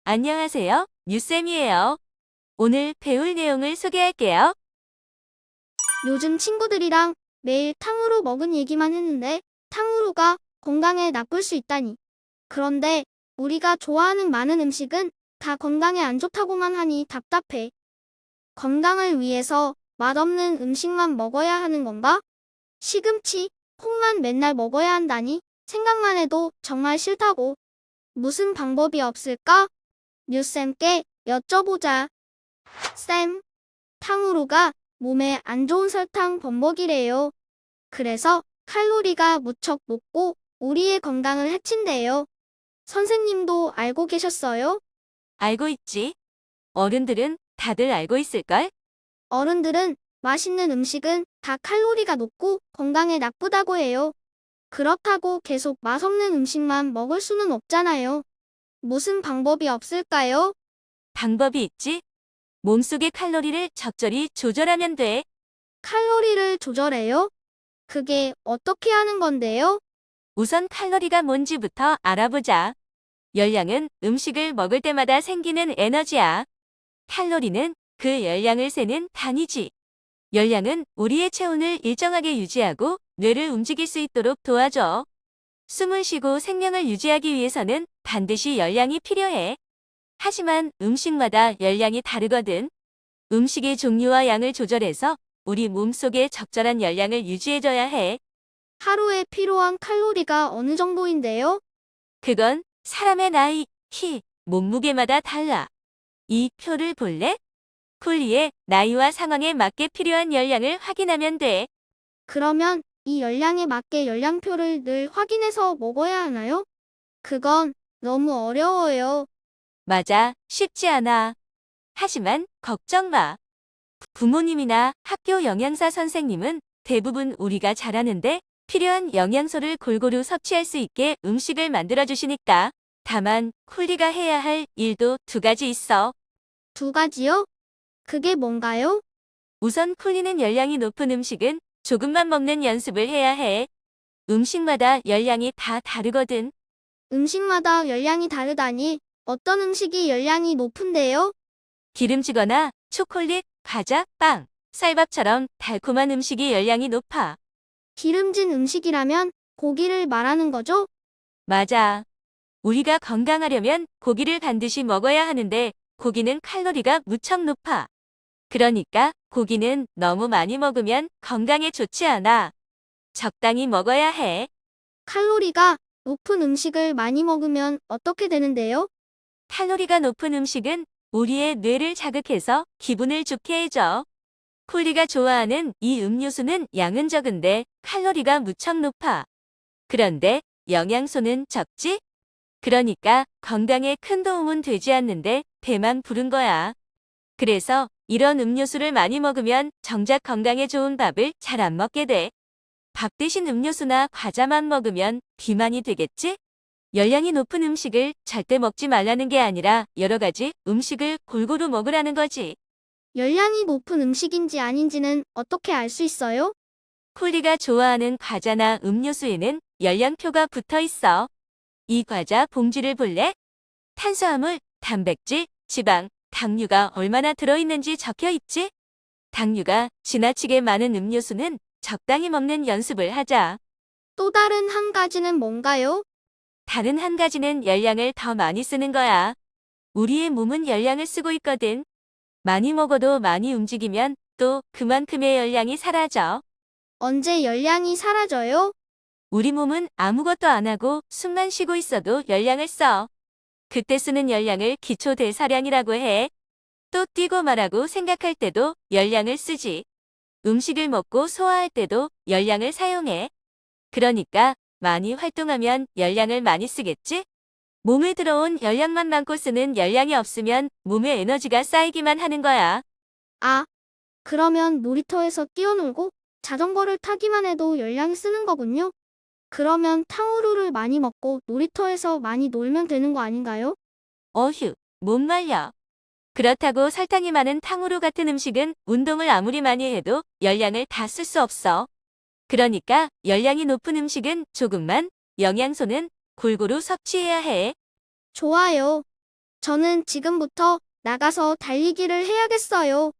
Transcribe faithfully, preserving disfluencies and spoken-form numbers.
안녕하세요. 뉴쌤이에요. 오늘 배울 내용을 소개할게요. 요즘 친구들이랑 매일 탕후루 먹은 얘기만 했는데 탕후루가 건강에 나쁠 수 있다니. 그런데 우리가 좋아하는 많은 음식은 다 건강에 안 좋다고만 하니 답답해. 건강을 위해서 맛없는 음식만 먹어야 하는 건가? 시금치, 콩만 맨날 먹어야 한다니 생각만 해도 정말 싫다고. 무슨 방법이 없을까? 뉴쌤께 여쭤보자. 쌤, 탕후루가 몸에 안 좋은 설탕 범벅이래요. 그래서 칼로리가 무척 높고 우리의 건강을 해친대요. 선생님도 알고 계셨어요? 알고 있지? 어른들은 다들 알고 있을걸? 어른들은 맛있는 음식은 다 칼로리가 높고 건강에 나쁘다고 해요. 그렇다고 계속 맛없는 음식만 먹을 수는 없잖아요. 무슨 방법이 없을까요? 방법이 있지? 몸속의 칼로리를 적절히 조절하면 돼. 칼로리를 조절해요? 그게 어떻게 하는 건데요? 우선 칼로리가 뭔지부터 알아보자. 열량은 음식을 먹을 때마다 생기는 에너지야. 칼로리는 그 열량을 세는 단위지. 열량은 우리의 체온을 일정하게 유지하고 뇌를 움직일 수 있도록 도와줘. 숨을 쉬고 생명을 유지하기 위해서는 반드시 열량이 필요해. 하지만 음식마다 열량이 다르거든. 음식의 종류와 양을 조절해서 우리 몸속에 적절한 열량을 유지해줘야 해. 하루에 필요한 칼로리가 어느 정도인데요? 그건 사람의 나이, 키, 몸무게마다 달라. 이 표를 볼래? 쿨리의 나이와 상황에 맞게 필요한 열량을 확인하면 돼. 그러면 이 열량에 맞게 열량표를 늘 확인해서 먹어야 하나요? 그건 너무 어려워요. 맞아, 쉽지 않아. 하지만 걱정 마. 부모님이나 학교 영양사 선생님은 대부분 우리가 잘 아는데 필요한 영양소를 골고루 섭취할 수 있게 음식을 만들어 주시니까. 다만 쿨리가 해야 할 일도 두 가지 있어. 두 가지요? 그게 뭔가요? 우선 쿨리는 열량이 높은 음식은 조금만 먹는 연습을 해야 해. 음식마다 열량이 다 다르거든. 음식마다 열량이 다르다니 어떤 음식이 열량이 높은데요? 기름지거나 초콜릿, 과자, 빵, 쌀밥처럼 달콤한 음식이 열량이 높아. 기름진 음식이라면 고기를 말하는 거죠? 맞아. 우리가 건강하려면 고기를 반드시 먹어야 하는데 고기는 칼로리가 무척 높아. 그러니까 고기는 너무 많이 먹으면 건강에 좋지 않아. 적당히 먹어야 해. 칼로리가 높은 음식을 많이 먹으면 어떻게 되는데요? 칼로리가 높은 음식은 우리의 뇌를 자극해서 기분을 좋게 해줘. 쿨리가 좋아하는 이 음료수는 양은 적은데 칼로리가 무척 높아. 그런데 영양소는 적지? 그러니까 건강에 큰 도움은 되지 않는데 배만 부른 거야. 그래서 이런 음료수를 많이 먹으면 정작 건강에 좋은 밥을 잘 안 먹게 돼. 밥 대신 음료수나 과자만 먹으면 비만이 되겠지? 열량이 높은 음식을 절대 먹지 말라는 게 아니라 여러 가지 음식을 골고루 먹으라는 거지. 열량이 높은 음식인지 아닌지는 어떻게 알 수 있어요? 쿨리가 좋아하는 과자나 음료수에는 열량표가 붙어 있어. 이 과자 봉지를 볼래? 탄수화물, 단백질, 지방, 당류가 얼마나 들어있는지 적혀 있지? 당류가 지나치게 많은 음료수는 적당히 먹는 연습을 하자. 또 다른 한 가지는 뭔가요? 다른 한 가지는 열량을 더 많이 쓰는 거야. 우리의 몸은 열량을 쓰고 있거든. 많이 먹어도 많이 움직이면 또 그만큼의 열량이 사라져. 언제 열량이 사라져요? 우리 몸은 아무것도 안 하고 숨만 쉬고 있어도 열량을 써. 그때 쓰는 열량을 기초 대사량이라고 해. 또 뛰고 말하고 생각할 때도 열량을 쓰지. 음식을 먹고 소화할 때도 열량을 사용해. 그러니까 많이 활동하면 열량을 많이 쓰겠지? 몸에 들어온 열량만 많고 쓰는 열량이 없으면 몸에 에너지가 쌓이기만 하는 거야. 아, 그러면 놀이터에서 뛰어놀고 자전거를 타기만 해도 열량 쓰는 거군요. 그러면 탕후루를 많이 먹고 놀이터에서 많이 놀면 되는 거 아닌가요? 어휴, 못 말려. 그렇다고 설탕이 많은 탕후루 같은 음식은 운동을 아무리 많이 해도 열량을 다 쓸 수 없어. 그러니까 열량이 높은 음식은 조금만, 영양소는 골고루 섭취해야 해. 좋아요. 저는 지금부터 나가서 달리기를 해야겠어요.